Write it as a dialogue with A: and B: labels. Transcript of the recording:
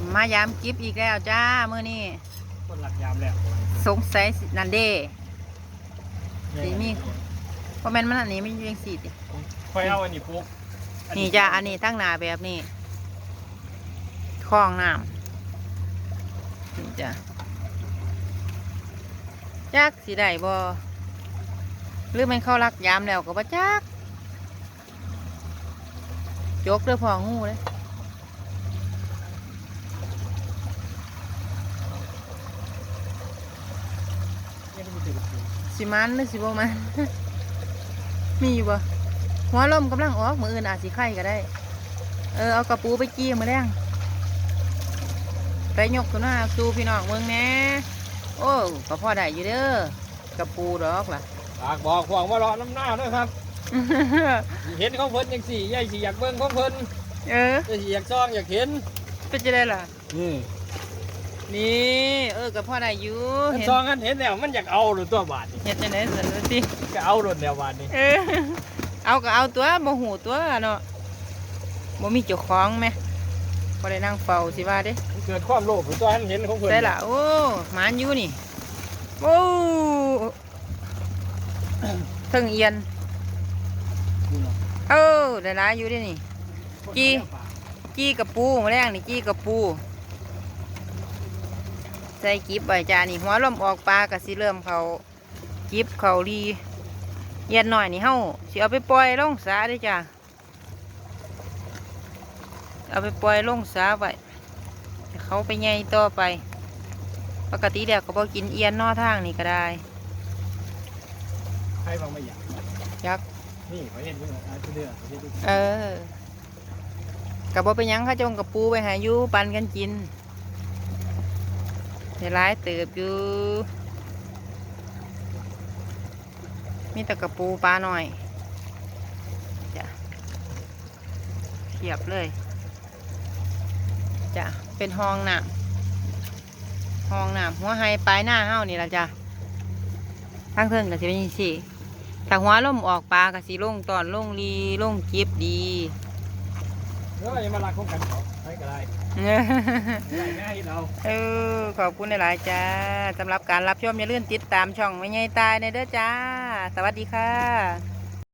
A: มายามกิฟอีกแล้วจ้ามื้อนี้
B: คนหลักยามแล้ว
A: สงสัยนันเด้สีมีเพราะแม่นมันอันนี้ไม่อยู่ยังสีติ
B: ค่อยเอาอันนี้ปุ๊บ
A: นี่จ้าอันนี้ตั้งหน้าแบบนี้คลองน้ำนี่จ้าจักสีได้บ่หรือมันเข้ารักยามแล้วก็บ่จักจกเด้อพองูเลยสิมันหรือสิบ่มัน มีอยู่บ่หัวลมกำลังออกมืออื่นอาจสิไข่ก็ได้เอากระปูไปจี้มาแล้งไปยกตัวหน้าสู่พี่น้องเมืองแน่โอ้ก็พอได้อยู่เด้อกระปูดอกล่ะ
B: ปากบอกห่วงว่ารอน้ำหน้าด้วยครับ เห็นของเพิ่นยังสี่ใหญ่สี่อยากเบิ่งของเพิ่นอยากซ่องอยากเห็น
A: เป็นจะได้ล่ะนี่ก็พอได้อยู่
B: เห็นซองกันเห็นแล้วมันอยากเอาหรือตัวบาทนี่
A: เห็นจะไหนสันติ
B: ก็เอาหรือแนวบาทนี่
A: เอาก็เอาตัวบ่หูตัวเนาะบ่มีเจ้าของไหมพอได้นั่งเฝ้าสิว่าเด้
B: เกิดความโลภตัวนั้นเห็นของเพิ่น
A: ใช่ล่ะโอ้หมานอยู่นี่โอ้ถึงเอียนได้หลายอยู่ดินี่จี้กระปูมาแรงนี่จี้กระปูใส่กิบใบจานี่หัวลมออกปลากะสิเริ่มเขากิบเขาดีเย็นหน่อยนี่เฮาสิเอาไปปล่อยลงสาได้จ้ะเอาไปปล่อยลงสาไว้เขาไปใหญ่ต่อไปปกติเดี๋ยวก็บอกินเอียนนอทางนี่ก็ได้
B: ใครบางไม่อยาก
A: ยัก
B: นี่เขาเห็นด้วยเดือด
A: กับบอกไปยังข้าจงกับปูไปหายูปันกันกินในร้ายเติบอยู่มีแต่กระปูปลาหน่อยจ้ะเทียบเลยจ้ะเป็นห้องน้ำหัวไฮปลายหน้าเฮ้านี่ละจ้ะทั้งเทิงกับสิเป็นสิถ้าหัวล่มออกปลากับสิลงตอนลงรีลงจิบดี
B: อย่ามาลักของกันเขาใช้ก็ได้ง่ายเรา
A: ขอบคุณหลายๆจ้าสำหรับการรับชมอย่าลืมติดตามช่องไม่ใหญ่ตายในเด้อจ้าสวัสดีค่ะ